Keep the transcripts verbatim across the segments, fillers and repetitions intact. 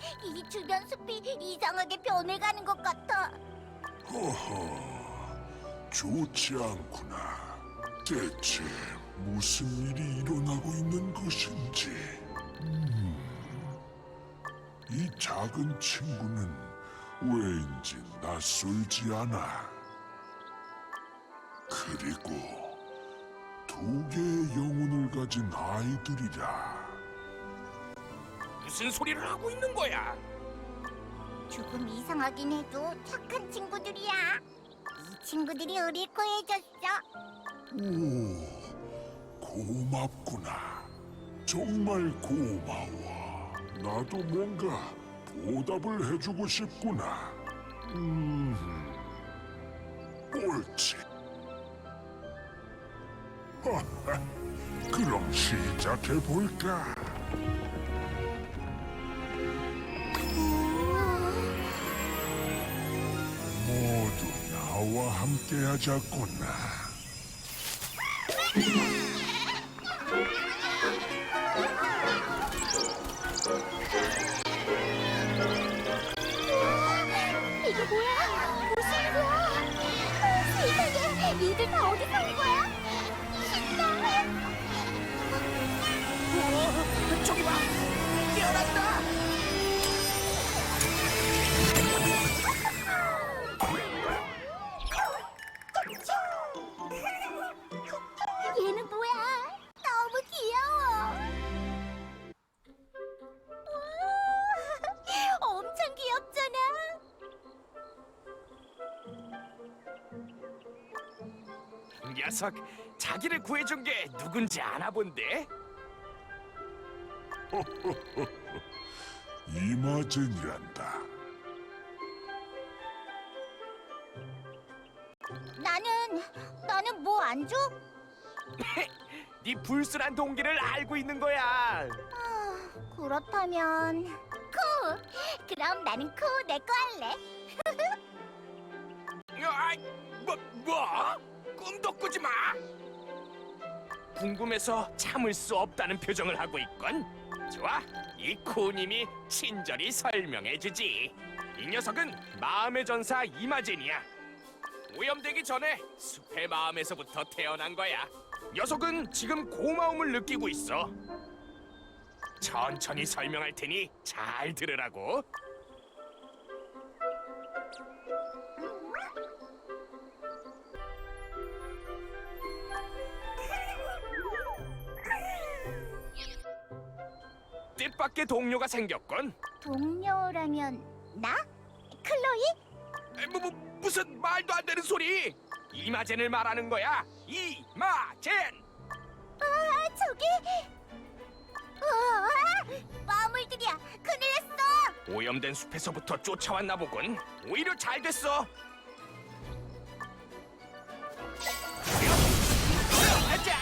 이 주변 숲이 이상하게 변해가는 것 같아. 허허, 좋지 않구나. 대체 무슨 일이 일어나고 있는 것인지. 음, 이 작은 친구는 왜인지 낯설지 않아. 그리고 두 개의 영혼을 가진 아이들이라. 무슨 소리를 하고 있는 거야? 조금 이상하긴 해도 착한 친구들이야. 이 친구들이 우릴 구해줬어. 오, 고맙구나. 정말 고마워. 나도 뭔가 보답을 해주고 싶구나. 음, 옳지. 하하, 그럼 시작해볼까? 모두 나와 함께 하자꾸나. 이게 뭐야? 무슨 일이야? 세상에, 얘들 다 어디서 온 거야? 신나. 어, 저기 봐! 깨어났다! 얘는 뭐야? 너무 귀여워. 우와, 엄청 귀엽잖아. 녀석, 자기를 구해준 게 누군지 아나 본데? 이마젠이란다. 나는 나는 뭐 안 줘? 네 불순한 동기를 알고 있는 거야. 아, 그렇다면 코. 그럼 나는 코 내 거 할래. 아, 뭐, 뭐? 꿈도 꾸지 마! 궁금해서 참을 수 없다는 표정을 하고 있건. 좋아, 이 코님이 친절히 설명해주지. 이 녀석은 마음의 전사 이마젠이야. 오염되기 전에 숲의 마음에서부터 태어난 거야. 녀석은 지금 고마움을 느끼고 있어. 천천히 설명할 테니 잘 들으라고. 뜻밖의 동료가 생겼건. 동료라면 나? 클로이? 에, 뭐, 뭐, 무슨 말도 안 되는 소리! 이마젠을 말하는 거야. 이마젠. 아, 저기. 우와, 마물들이야. 큰일 났어. 오염된 숲에서부터 쫓아왔나 보군. 오히려 잘 됐어. 가자.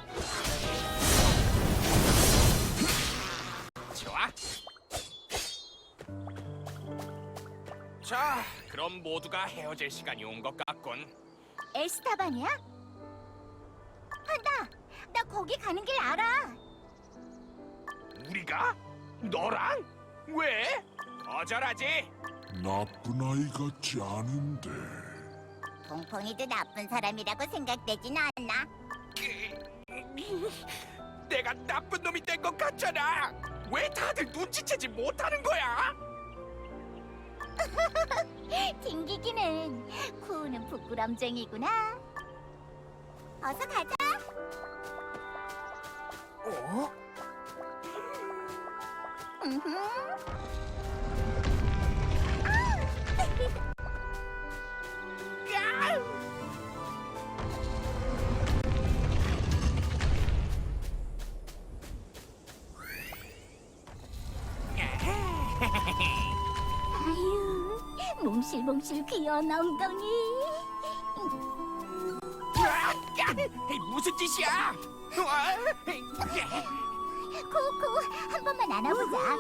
좋아. 자, 그럼 모두가 헤어질 시간이 온 것 같군. 에스타반이야? 아, 나, 나 거기 가는 길 알아. 우리가? 너랑? 왜? 거절하지. 나쁜 아이 같지 않은데. 퐁퐁이도 나쁜 사람이라고 생각되진 않아. 내가 나쁜 놈이 된 것 같잖아. 왜 다들 눈치채지 못하는 거야? 튕기기는 쿠는 부끄럼쟁이구나. 어서 가자. 어? 음흠. 아유, 몽실몽실 귀여운 엉덩이. 야, 무슨 짓이야? 와, 코코, 한 번만 안아보자.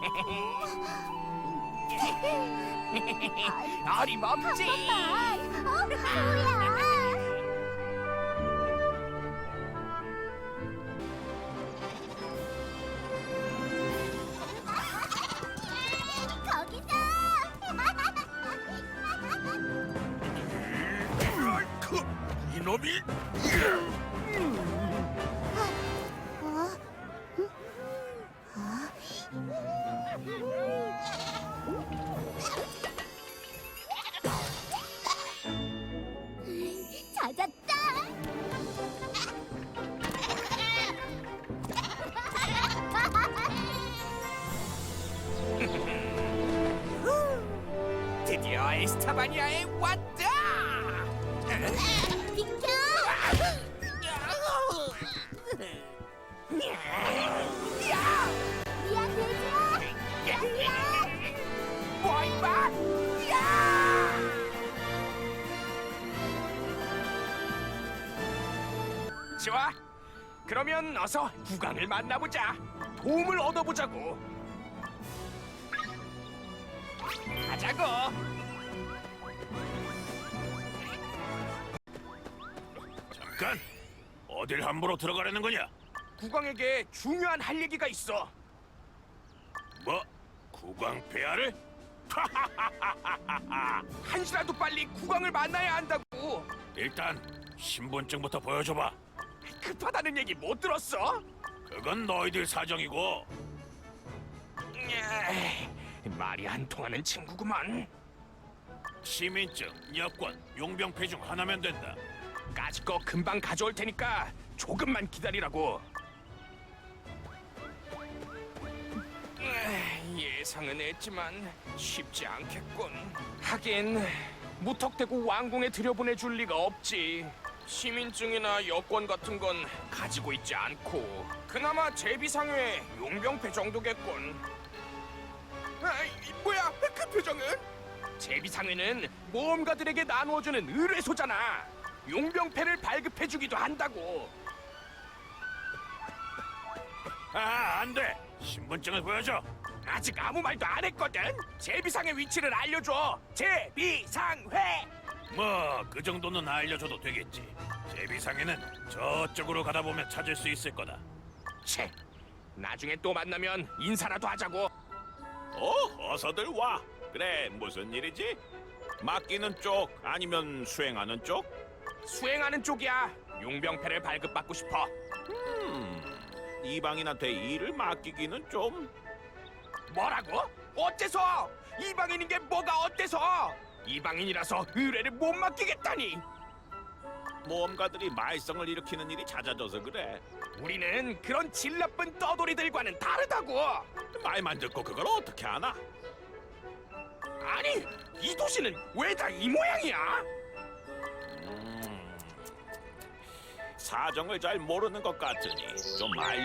한 어림없지. 번만. 어, 뭐야? 감히? 어? 찾았다. 드디어 에스타바니아에 왔다. 비켜! 미안 돼지야. 뭐 임마? 좋아. 그러면 어서 국왕을 만나보자. 도움을 얻어보자고. 가자고. 잠깐. 어딜 함부로 들어가려는 거냐? 국왕에게 중요한 할 얘기가 있어. 뭐? 국왕 폐하를? 한시라도 빨리 국왕을 만나야 한다고. 일단 신분증부터 보여줘봐. 급하다는 얘기 못 들었어? 그건 너희들 사정이고. 에이, 말이 안 통하는 친구구만. 시민증, 여권, 용병패 중 하나면 된다. 까짓 거 금방 가져올 테니까 조금만 기다리라고. 에이, 예상은 했지만 쉽지 않겠군. 하긴 무턱대고 왕궁에 들여보내줄 리가 없지. 시민증이나 여권 같은 건 가지고 있지 않고 그나마 제비상회 용병패 정도겠군. 아, 이 뭐야 그 표정은? 제비상회는 모험가들에게 나누어주는 의뢰소잖아. 용병패를 발급해주기도 한다고. 아, 안 돼. 신분증을 보여줘. 아직 아무 말도 안 했거든. 제비상회 위치를 알려줘. 제비상회. 뭐 그 정도는 알려줘도 되겠지. 제비상에는 저쪽으로 가다 보면 찾을 수 있을 거다. 채. 나중에 또 만나면 인사라도 하자고. 어, 어서들 와. 그래, 무슨 일이지? 맡기는 쪽 아니면 수행하는 쪽? 수행하는 쪽이야. 용병패를 발급받고 싶어. 음, 이방인한테 일을 맡기기는 좀... 뭐라고? 어째서? 이방인인 게 뭐가 어때서? 이방인이라서 의뢰를 못 맡기겠다니. 모험가들이 말썽을 일으키는 일이 잦아져서 그래. 우리는 그런 질 나쁜 떠돌이들과는 다르다고. 말만 듣고 그걸 어떻게 아나? 아니, 이 도시는 왜 다 이 모양이야? 음, 사정을 잘 모르는 것 같으니 좀 알...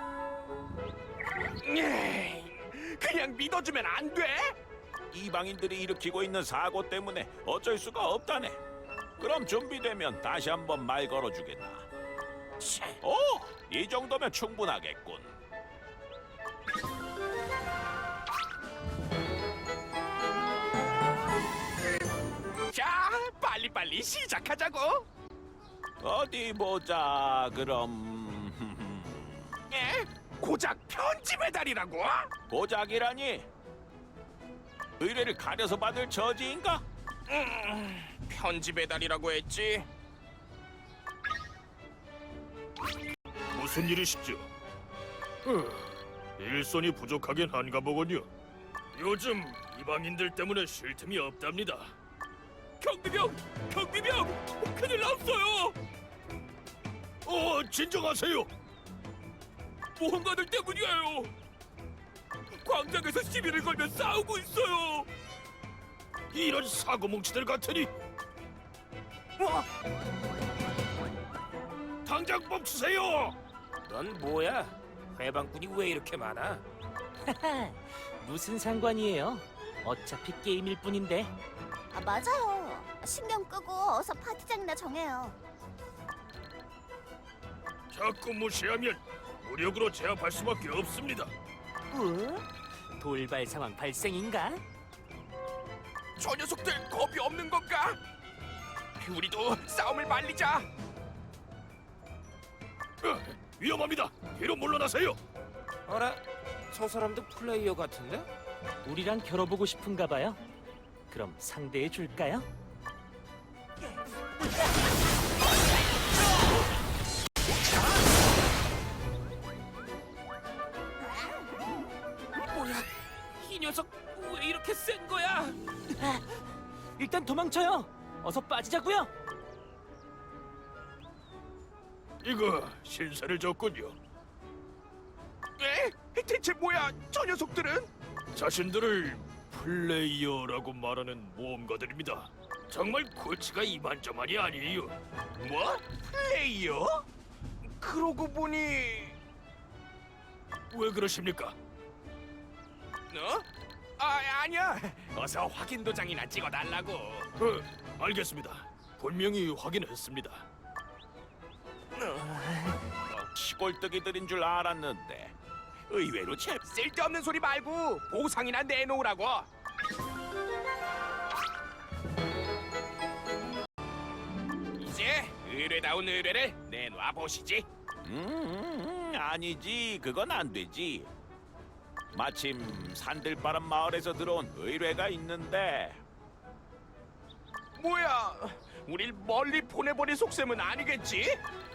에이, 그냥 믿어주면 안 돼? 이방인들이 일으키고 있는 사고 때문에 어쩔 수가 없다네. 그럼 준비되면 다시 한번 말 걸어주겠나. 채. 오, 이 정도면 충분하겠군. 자, 빨리빨리 시작하자고. 어디 보자. 그럼 에? 고작 편지 배달이라고? 고작이라니? 의뢰를 가려서 받을 처지인가? 음, 편지 배달이라고 했지. 무슨 일이시죠? 일손이 부족하긴 한가 보군요. 요즘 이방인들 때문에 쉴 틈이 없답니다. 경비병! 경비병! 큰일 났어요! 어, 진정하세요. 모험가들 때문이에요. 광장에서 시비를 걸며 싸우고 있어요. 이런 사고뭉치들 같으니 뭐? 당장 멈추세요. 넌 뭐야? 회방꾼이 왜 이렇게 많아? 무슨 상관이에요? 어차피 게임일 뿐인데. 아, 맞아요. 신경 끄고 어서 파티장이나 정해요. 자꾸 무시하면 무력으로 제압할 수밖에 없습니다. 어? 돌발 상황 발생인가? 저 녀석들 겁이 없는 건가? 우리도 싸움을 말리자. 어, 위험합니다. 뒤로 물러나세요. 어라? 저 사람도 플레이어 같은데? 우리랑 겨뤄보고 싶은가 봐요. 그럼 상대해 줄까요? 녀석 왜 이렇게 센 거야? 일단 도망쳐요. 어서 빠지자고요. 이거 신세를 졌군요. 에? 대체 뭐야? 저 녀석들은? 자신들을 플레이어라고 말하는 모험가들입니다. 정말 골치가 이만저만이 아니에요. 뭐? 플레이어? 그러고 보니 왜 그러십니까? 어? 아 아니야. 어서 확인 도장이나 찍어달라고. 어, 알겠습니다. 분명히 확인했습니다. 시골뜨기들인 줄 알았는데 의외로 재. 쓸데없는 소리 말고 보상이나 내놓으라고. 이제 의뢰다운 의뢰를 내놔 보시지. 음, 아니지. 그건 안 되지. 마침 산들바람 마을에서 들어온 의뢰가 있는데 뭐야? 우릴 멀리 보내버릴 속셈은 아니겠지?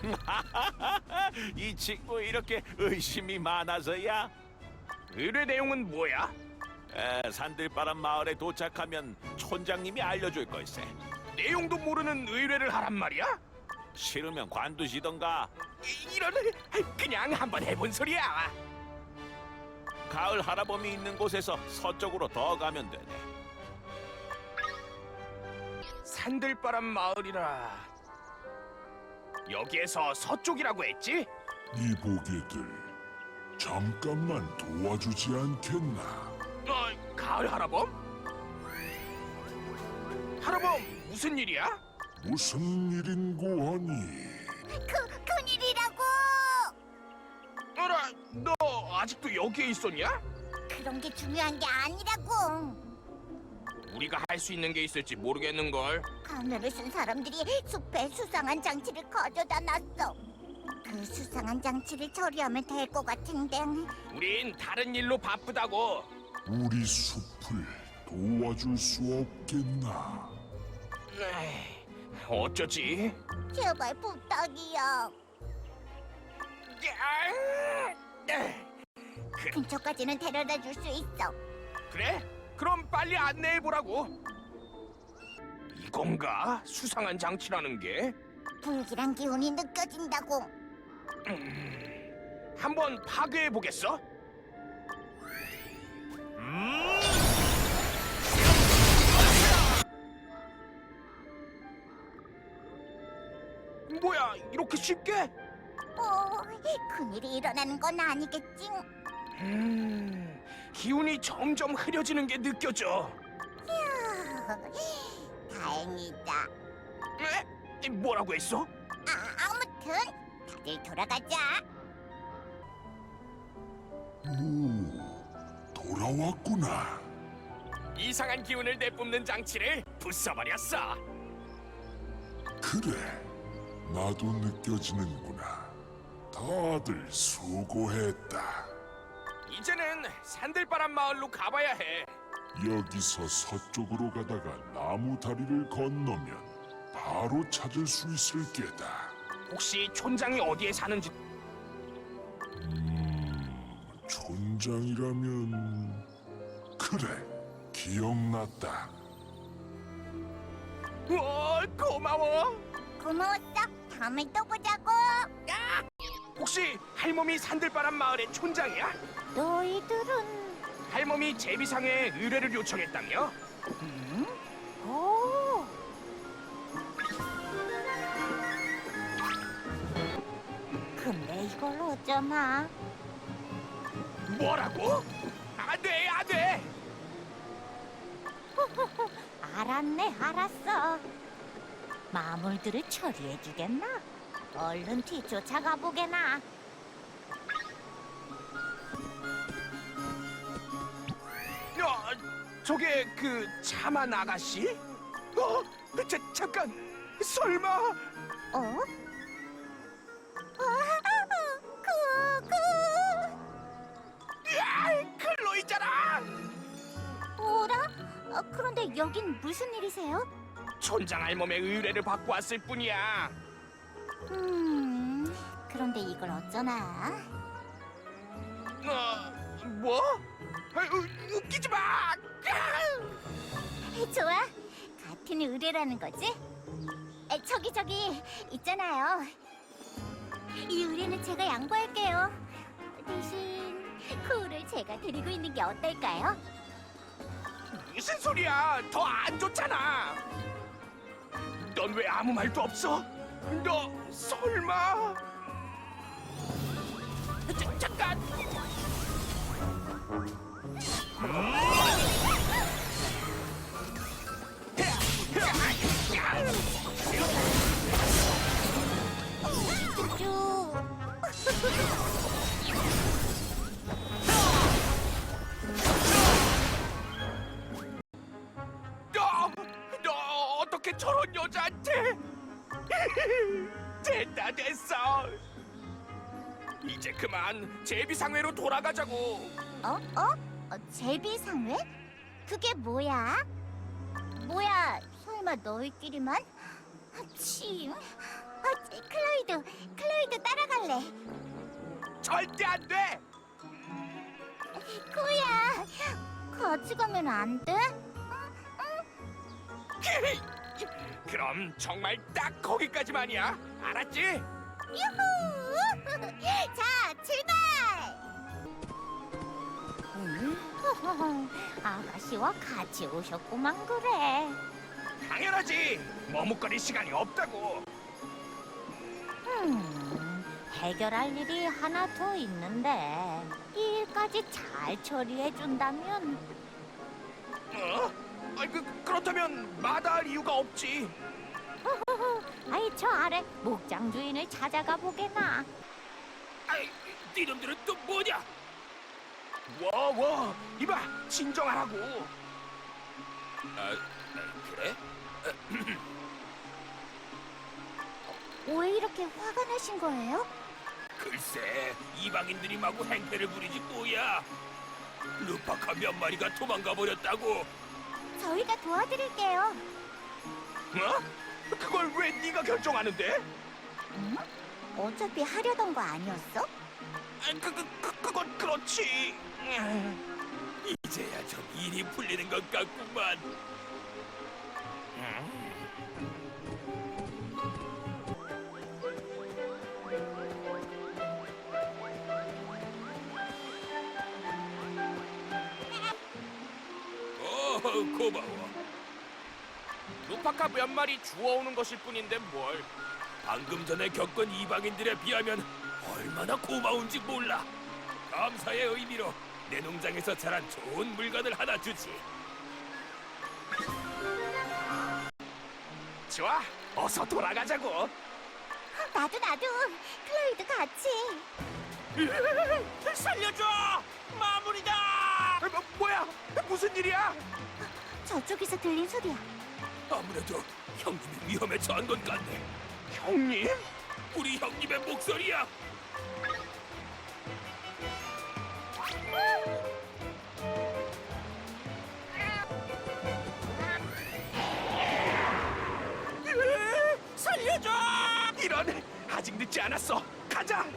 이 친구 이렇게 의심이 많아서야. 의뢰 내용은 뭐야? 에, 산들바람 마을에 도착하면 촌장님이 알려줄 걸세. 내용도 모르는 의뢰를 하란 말이야? 싫으면 관두시던가. 이- 이런 그냥 한번 해본 소리야. 가을 할아범이 있는 곳에서 서쪽으로 더 가면 되네. 산들바람 마을이라. 여기에서 서쪽이라고 했지? 이보게들 잠깐만 도와주지 않겠나? 어, 가을 할아범? 할아범 무슨 일이야? 무슨 일인고 하니? 그 큰일이라고. 어라, 너 아직도 여기에 있었냐? 그런 게 중요한 게 아니라고. 우리가 할 수 있는 게 있을지 모르겠는걸. 가면을 쓴 사람들이 숲에 수상한 장치를 가져다 놨어. 그 수상한 장치를 처리하면 될 것 같은데. 우린 다른 일로 바쁘다고. 우리 숲을 도와줄 수 없겠나? 에이, 어쩌지? 제발 부탁이야. 야, 에이, 근처까지는 데려다 줄 수 있어. 그래? 그럼 빨리 안내해 보라고. 이건가? 수상한 장치라는 게? 불길한 기운이 느껴진다고. 한번 파괴해 보겠어? 뭐야, 이렇게 쉽게? 어, 큰일이 일어나는 건 아니겠지? 음, 기운이 점점 흐려지는 게 느껴져. 다행이다. 에? 뭐라고 했어? 아, 아무튼 다들 돌아가자. 오, 돌아왔구나. 이상한 기운을 내뿜는 장치를 부숴버렸어. 그래, 나도 느껴지는구나. 다들 수고했다. 이제는 산들바람 마을로 가봐야 해. 여기서 서쪽으로 가다가 나무 다리를 건너면 바로 찾을 수 있을 게다. 혹시 촌장이 어디에 사는지. 음, 촌장이라면 그래, 기억났다. 와, 고마워. 고마웠어. 다음에 또 보자고. 혹시 할멈이 산들바람 마을의 촌장이야? 너희들은 할멈이 제비상에 의뢰를 요청했다며? 오. 근데 이걸 어쩌나? 뭐라고? 안돼, 안돼. 알았네, 알았어. 마물들을 처리해주겠나? 얼른 뒤쫓아가 보게나. 야, 저게 그 차만 아가씨? 어? 자, 잠깐. 설마? 어? 아, 그, 그. 야, 클로이잖아. 오라? 어, 그런데 여긴 무슨 일이세요? 촌장 할멈의 의뢰를 받고 왔을 뿐이야. 음, 그런데 이걸 어쩌나? 어, 뭐? 아유, 웃기지 마. 좋아. 같은 의뢰라는 거지? 에, 저기 저기 있잖아요. 이 의뢰는 제가 양보할게요. 대신 코를 제가 데리고 있는 게 어떨까요? 무슨 소리야? 더 안 좋잖아. 넌 왜 아무 말도 없어? 너 설마? 자, 잠깐. 쭈쭈. 너, 너 어떻게 저런 여자한테? 됐다 됐어. 이제 그만 제비상회로 돌아가자고. 어? 어? 어 제비상회? 그게 뭐야? 뭐야? 설마 너희끼리만? 침. 아, 클로이도, 클로이도 따라갈래. 절대 안 돼. 코야, 같이 가면 안 돼? 그럼 정말 딱 거기까지만이야. 알았지? 유후! 자, 출발! 음? 아가씨와 같이 오셨구만 그래. 당연하지. 머뭇거릴 시간이 없다고. 음, 해결할 일이 하나 더 있는데 이 일까지 잘 처리해 준다면 어? 아이, 그, 그렇다면 마다할 이유가 없지. 아이 저 아래 목장 주인을 찾아가 보게나. 아이, 니놈들은 또 뭐냐? 워워, 이봐, 진정하라고. 아, 그래? 왜 이렇게 화가 나신 거예요? 글쎄, 이방인들이 마구 행패를 부리지 뭐야. 루파카 몇 마리가 도망가 버렸다고. 저희가 도와드릴게요. 어? 그걸 왜 네가 결정하는데? 응? 어차피 하려던 거 아니었어? 아, 그, 그, 그, 그건 그렇지. 이제야 좀 일이 풀리는 것 같구만. 어, 고마워. 루파카 몇 마리 주워오는 것일 뿐인데 뭘. 방금 전에 겪은 이방인들에 비하면 얼마나 고마운지 몰라. 감사의 의미로 내 농장에서 자란 좋은 물건을 하나 주지. 좋아, 어서 돌아가자고. 나도 나도 클로이도 같이. 살려줘! 마무리다! 뭐, 뭐야? 무슨 일이야? 저쪽에서 들린 소리야. 아무래도 형님이 위험에 처한 것 같네. 형님? 우리 형님의 목소리야. 살려줘! 이런, 아직 늦지 않았어. 가자.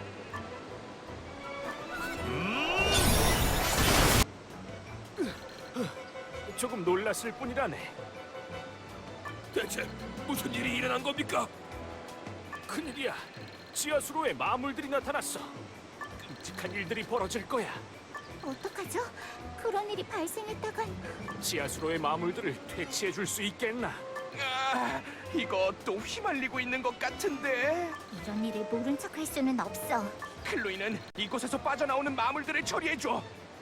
조금 놀랐을 뿐이라네. 대체 무슨 일이 일어난 겁니까? 큰일이야. 지하수로에 마물들이 나타났어. 끔찍한 일들이 벌어질 거야. 어떡하죠? 그런 일이 발생했다간. 지하수로의 마물들을 퇴치해 줄 수 있겠나? 아, 이거 또 휘말리고 있는 것 같은데. 이런 일을 모른 척 할 수는 없어. 클로이는 이곳에서 빠져나오는 마물들을 처리해 줘.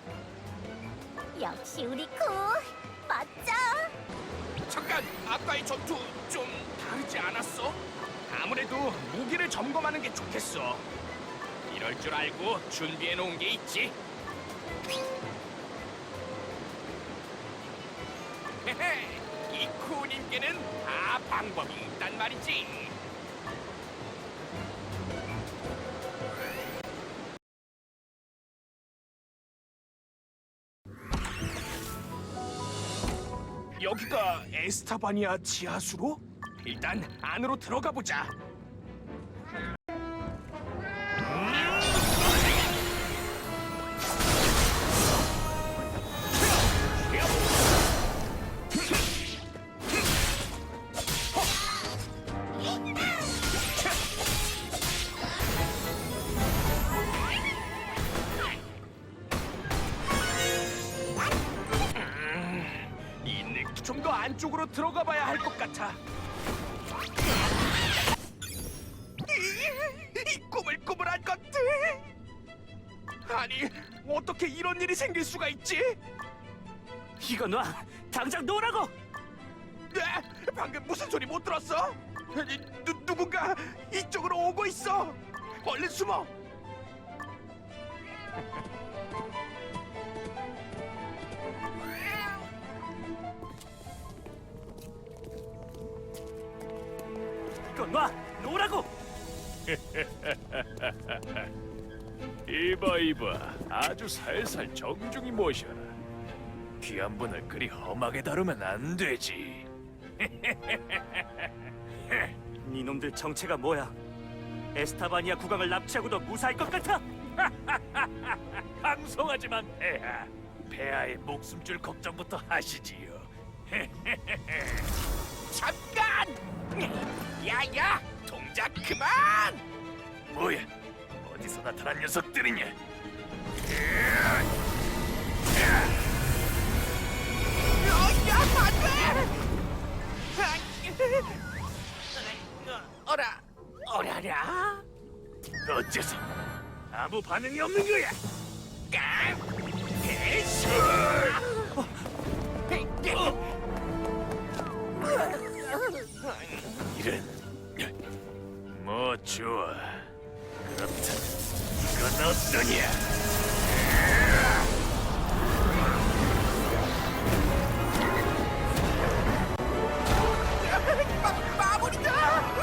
역시 우리 코 멋져. 잠깐, 아까의 전투 좀 다르지 않았어? 아무래도 무기를 점검하는 게 좋겠어. 이럴 줄 알고 준비해 놓은 게 있지. 헤헤, 이 쿠님께는 다 방법이 있단 말이지. 여기가 에스타바니아 지하수로? 일단 안으로 들어가 보자. 안쪽으로 들어가 봐야 할 것 같아. 이, 이 꾸물꾸물한 것들! 아니, 어떻게 이런 일이 생길 수가 있지? 이거 놔! 당장 놓으라고! 네? 방금 무슨 소리 못 들었어? 아니, 누, 누군가 이쪽으로 오고 있어. 얼른 숨어. 이거 놔! 놓으라고! 이봐 이봐, 아주 살살 정중히 모셔라. 귀한 분을 그리 험하게 다루면 안 되지. 니놈들 정체가 뭐야? 에스타바니아 국왕을 납치하고도 무사할 것 같아? 방송하지만 폐하, 폐하의 목숨줄 걱정부터 하시지요. 잠깐! 야야! 동작 그만! 뭐야? 어디서 나타난 녀석들이냐? 어야 안돼! 어라 어라랴? 어째서 아무 반응이 없는 거야? 깡! 대수! 이런, 뭐 좋아. 그렇다면 이건 어떠냐? 마, 마무리다!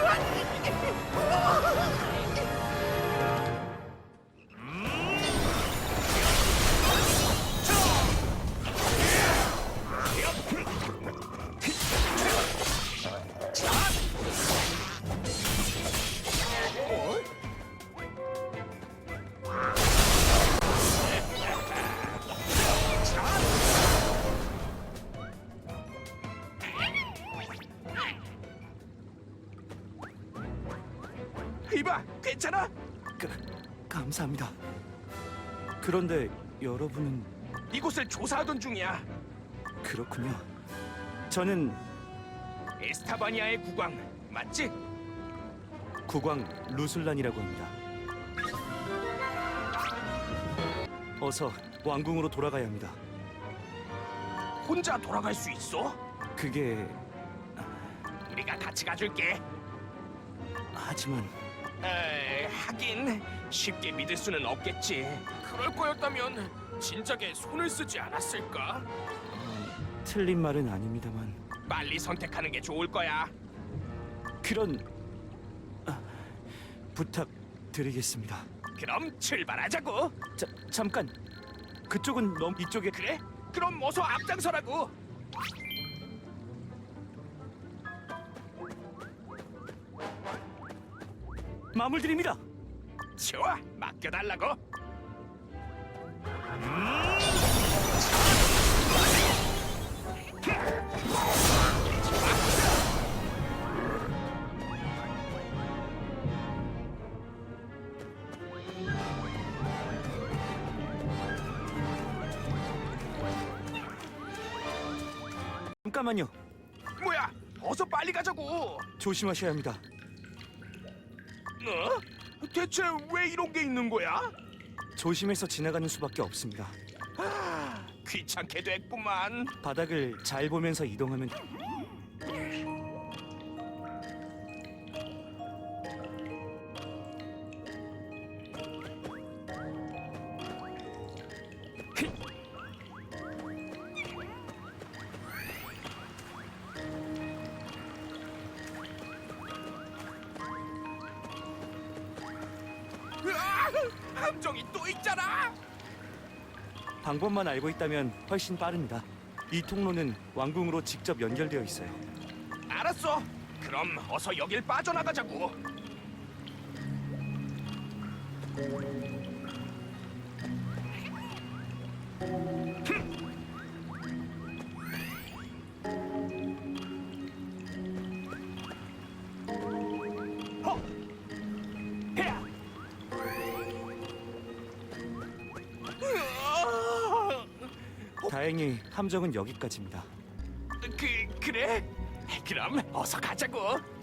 이봐, 괜찮아? 그, 감사합니다. 그런데 여러분은 이곳을 조사하던 중이야. 그렇군요. 저는 에스타바니아의 국왕 맞지? 국왕 루슬란이라고 합니다. 어서 왕궁으로 돌아가야 합니다. 혼자 돌아갈 수 있어? 그게 우리가 같이 가줄게. 하지만 에이, 하긴 쉽게 믿을 수는 없겠지. 그럴 거였다면 진작에 손을 쓰지 않았을까? 틀린 말은 아닙니다만 빨리 선택하는 게 좋을 거야. 그런 아, 부탁드리겠습니다. 그럼 출발하자고. 자, 잠깐 그쪽은 너무 이쪽에 그래? 그럼 어서 앞장서라고. 마물드립니다. 좋아, 맡겨달라고. 잠깐만요. 뭐야? 어서 빨리 가자고. 조심하셔야 합니다. 어? 대체 왜 이런 게 있는 거야? 조심해서 지나가는 수밖에 없습니다. 아, 귀찮게 됐구만. 바닥을 잘 보면서 이동하면 으아! 함정이 또 있잖아. 방법만 알고 있다면 훨씬 빠릅니다. 이 통로는 왕궁으로 직접 연결되어 있어요. 알았어. 그럼 어서 여길 빠져나가자고. 허! 헤야! 으아! 다행히 함정은 여기까지입니다. 그 그래? 그럼 어서 가자고.